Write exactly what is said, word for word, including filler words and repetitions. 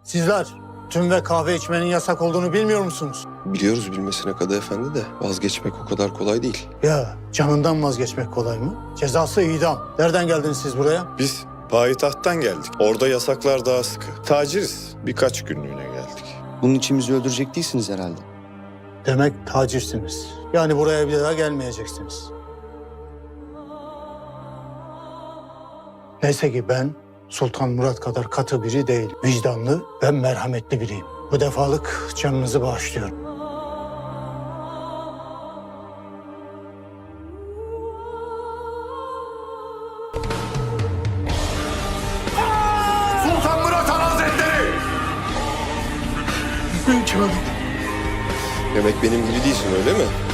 Sizler tüm ve kahve içmenin yasak olduğunu bilmiyor musunuz? Biliyoruz bilmesine Kadı Efendi de vazgeçmek o kadar kolay değil. Ya canından vazgeçmek kolay mı? Cezası idam. Nereden geldiniz siz buraya? Biz payitahttan geldik. Orada yasaklar daha sıkı. Taciriz. Birkaç günlüğüne geldik. Bunun için bizi öldürecek değilsiniz herhalde. Demek tacirsiniz. Yani buraya bir daha gelmeyeceksiniz. Neyse ki ben Sultan Murat kadar katı biri değil. Vicdanlı ve merhametli biriyim. Bu defalık canınızı bağışlıyorum. Sultan Murat Han Hazretleri! Demek benim gibi değilsin öyle mi?